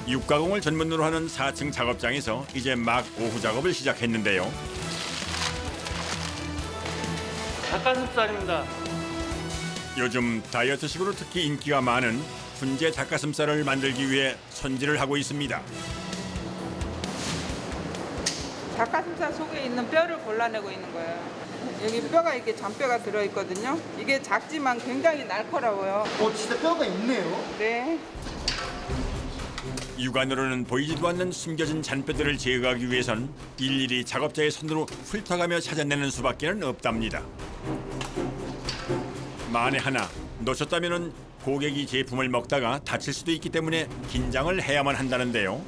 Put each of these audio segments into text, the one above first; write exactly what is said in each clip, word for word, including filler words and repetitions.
육가공을 전문으로 하는 사 층 작업장에서 이제 막 오후 작업을 시작했는데요. 닭가슴살입니다. 요즘 다이어트식으로 특히 인기가 많은 훈제 닭가슴살을 만들기 위해 손질을 하고 있습니다. 닭가슴살 속에 있는 뼈를 골라내고 있는 거예요. 여기 뼈가 이렇게 잔뼈가 들어있거든요. 이게 작지만 굉장히 날카로워요. 어, 진짜 뼈가 있네요. 네. 육안으로는 보이지도 않는 숨겨진 잔뼈들을 제거하기 위해선 일일이 작업자의 손으로 훑어가며 찾아내는 수밖에는 없답니다. 만에 하나 놓쳤다면은 고객이 제품을 먹다가 다칠 수도 있기 때문에 긴장을 해야만 한다는데요.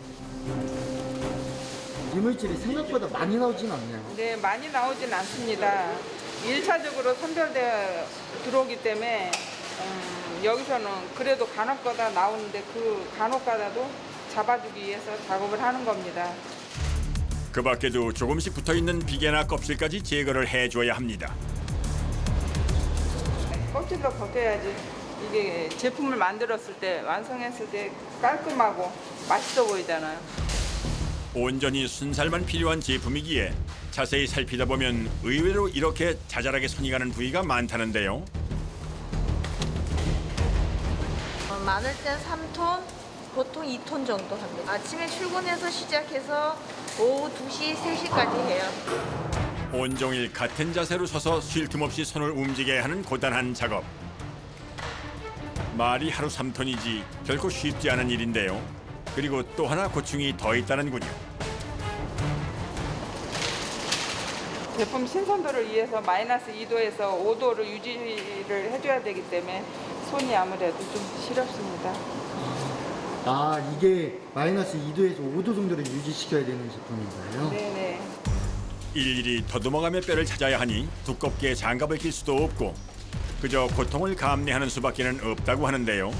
이물질이 생각보다 많이 나오진 않네요. 네, 많이 나오진 않습니다. 일차적으로 선별되어 들어오기 때문에 음, 여기서는 그래도 간혹가다 나오는데 그 간혹가다도 잡아주기 위해서 작업을 하는 겁니다. 그 밖에도 조금씩 붙어있는 비계나 껍질까지 제거를 해줘야 합니다. 껍질도 벗겨야지 이게 제품을 만들었을 때 완성했을 때 깔끔하고 맛있어 보이잖아요. 온전히 순살만 필요한 제품이기에 자세히 살피다 보면 의외로 이렇게 자잘하게 손이 가는 부위가 많다는데요. 어, 많을 땐 삼 톤, 보통 이 톤 정도 합니다. 아침에 출근해서 시작해서 오후 두 시, 세 시까지 해요. 온종일 같은 자세로 서서 쉴 틈 없이 손을 움직여야 하는 고단한 작업. 말이 하루 삼 톤이지 결코 쉽지 않은 일인데요. 그리고 또 하나 고충이 더 있다는군요. 제품 신선도를 위해서 마이너스 이 도에서 오 도를 유지를 해줘야 되기 때문에 손이 아무래도 좀 시렵습니다. 아, 이게 마이너스 이 도에서 오 도 정도를 유지시켜야 되는 제품인가요? 네네. 일일이 더듬어가며 뼈를 찾아야 하니 두껍게 장갑을 낄 수도 없고 그저 고통을 감내하는 수밖에는 없다고 하는데요.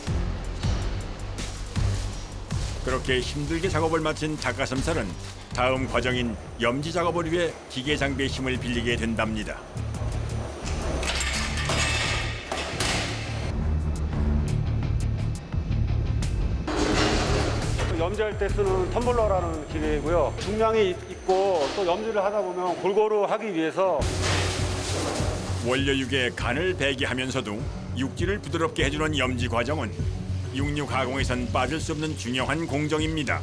그렇게 힘들게 작업을 마친 닭가슴살은 다음 과정인 염지 작업을 위해 기계 장비의 힘을 빌리게 된답니다. 염지할 때 쓰는 텀블러라는 기계이고요. 중량이 있고 또 염지를 하다 보면 골고루 하기 위해서 원료육에 간을 배게 하면서도 육질을 부드럽게 해주는 염지 과정은 육류 가공에선 빠질 수 없는 중요한 공정입니다.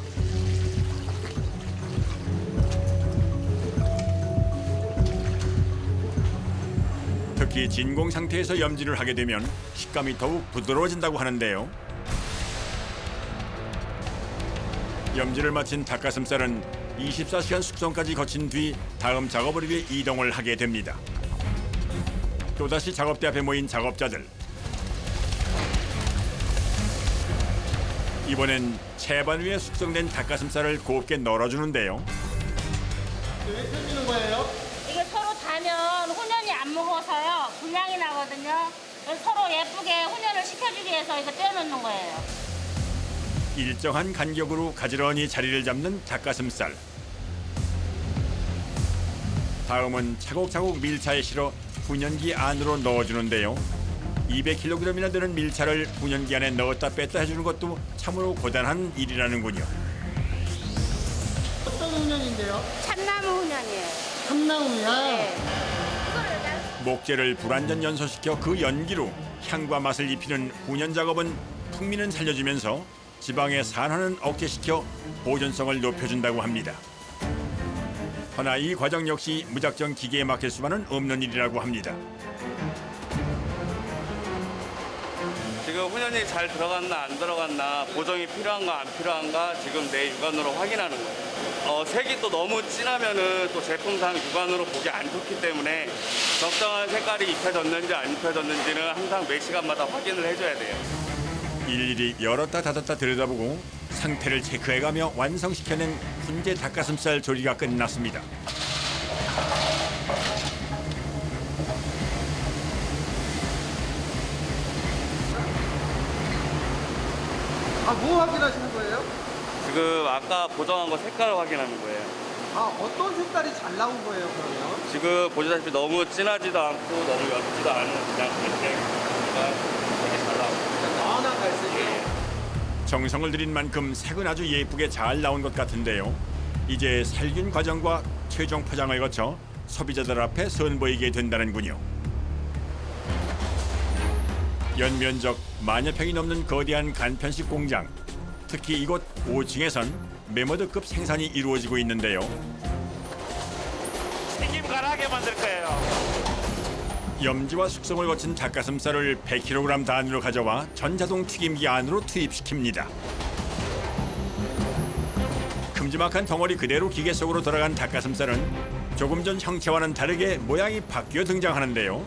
특히 진공 상태에서 염지를 하게 되면 식감이 더욱 부드러워진다고 하는데요. 염지를 마친 닭가슴살은 이십사 시간 숙성까지 거친 뒤 다음 작업을 위해 이동을 하게 됩니다. 또다시 작업대 앞에 모인 작업자들. 이번엔 채반 위에 숙성된 닭가슴살을 곱게 널어주는데요. 왜 펴주는 거예요? 이게 서로 다면 훈연이 안 먹어서요. 분량이 나거든요. 그래서 서로 예쁘게 훈연을 시켜주기 위해서 이거 떼어놓는 거예요. 일정한 간격으로 가지런히 자리를 잡는 닭가슴살. 다음은 차곡차곡 밀차에 실어 훈연기 안으로 넣어주는데요. 이백 킬로그램이나 되는 밀차를 훈연기 안에 넣었다 뺐다 해주는 것도 참으로 고단한 일이라는군요. 어떤 훈연인데요? 참나무 훈연이에요. 참나무야? 네. 목재를 불완전 연소시켜 그 연기로 향과 맛을 입히는 훈연 작업은 풍미는 살려주면서 지방의 산화는 억제시켜 보존성을 높여준다고 합니다. 허나 이 과정 역시 무작정 기계에 맡길 수만은 없는 일이라고 합니다. 지금 훈연이 잘 들어갔나 안 들어갔나 보정이 필요한가 안 필요한가 지금 내 육안으로 확인하는 거예요. 어, 색이 또 너무 진하면은 또 제품상 육안으로 보기 안 좋기 때문에 적당한 색깔이 입혀졌는지 안 입혀졌는지는 항상 매 시간마다 확인을 해줘야 돼요. 일일이 열었다 닫았다 들여다보고 상태를 체크해가며 완성시켜낸 훈제 닭가슴살 조리가 끝났습니다. 아, 뭐 확인하시는 거예요? 지금 아까 보정한 거 색깔을 확인하는 거예요. 아, 어떤 색깔이 잘 나온 거예요, 그러면? 지금 보시다시피 너무 진하지도 않고 너무 옅지도 않은 그냥 이렇게 되게 잘 나오고 연한 갈색이요? 정성을 들인 만큼 색은 아주 예쁘게 잘 나온 것 같은데요. 이제 살균 과정과 최종 포장을 거쳐 소비자들 앞에 선보이게 된다는군요. 연면적 만여 평이 넘는 거대한 간편식 공장. 특히 이곳 오 층에선 메모드급 생산이 이루어지고 있는데요. 튀김 가라하게 만들 거예요. 염지와 숙성을 거친 닭가슴살을 백 킬로그램 단위로 가져와 전자동 튀김기 안으로 투입시킵니다. 큼지막한 덩어리 그대로 기계 속으로 들어간 닭가슴살은 조금 전 형체와는 다르게 모양이 바뀌어 등장하는데요.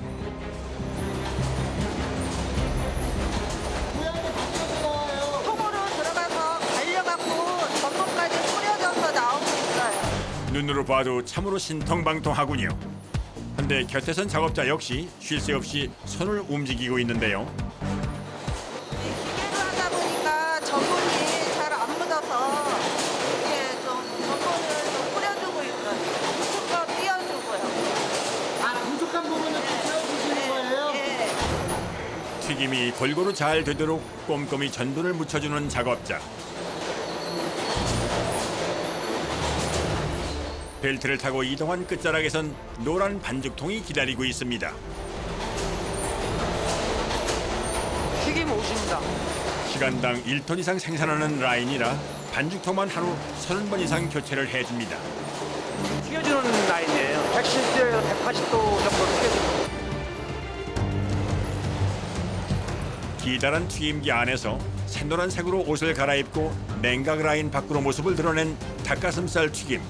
통으로 들어가서 갈려갖고 전분까지 뿌려져서 나오고 있어요. 눈으로 봐도 참으로 신통방통하군요. 근데 곁에선 작업자 역시 쉴 새 없이 손을 움직이고 있는데요. 이 기계로 하다 보니까 전분이 잘 안 묻어서 이렇게 좀 전분을 좀 뿌려주고 있어요. 조금 더 띄워주고요. 아, 부족한 부분을 채워주시는 거예요? 예. 튀김이 골고루 잘 되도록 꼼꼼히 전분을 묻혀주는 작업자. 벨트를 타고 이동한 끝자락에선 노란 반죽통이 기다리고 있습니다. 튀김 옷입니다. 시간당 일 톤 이상 생산하는 라인이라 반죽통만 하루 서른 번 이상 교체를 해줍니다. 튀겨주는 라인이에요. 백칠십 도에서 백팔십 도 정도 튀겨줍니다. 기다란 튀김기 안에서 샛노란색으로 옷을 갈아입고 냉각 라인 밖으로 모습을 드러낸 닭가슴살 튀김.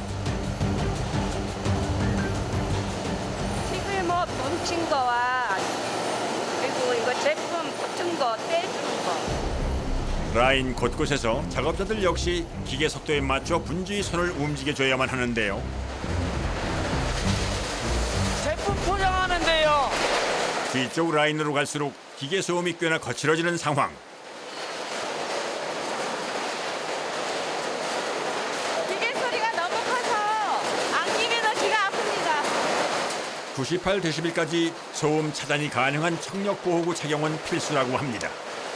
튀김옷 뭉친 거와 그리고 이거 제품 붙은 거 떼주는 거. 라인 곳곳에서 작업자들 역시 기계 속도에 맞춰 분주히 손을 움직여줘야만 하는데요. 제품 포장하는데요. 뒤쪽 라인으로 갈수록 기계 소음이 꽤나 거칠어지는 상황. 기계 소리가 너무 커서 안기면 귀가 아픕니다. 구십팔 데시벨까지 소음 차단이 가능한 청력 보호구 착용은 필수라고 합니다.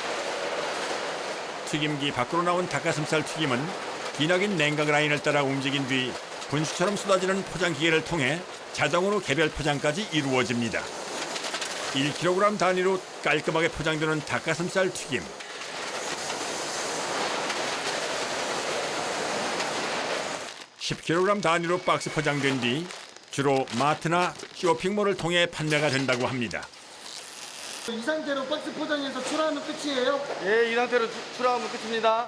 튀김기 밖으로 나온 닭가슴살 튀김은 기나긴 냉각 라인을 따라 움직인 뒤 분수처럼 쏟아지는 포장 기계를 통해 자동으로 개별 포장까지 이루어집니다. 일 킬로그램 단위로 깔끔하게 포장되는 닭가슴살 튀김. 십 킬로그램 단위로 박스 포장된 뒤 주로 마트나 쇼핑몰을 통해 판매가 된다고 합니다. 이 상태로 박스 포장해서 출하하면 끝이에요? 예, 이 상태로 출- 출하하면 끝입니다.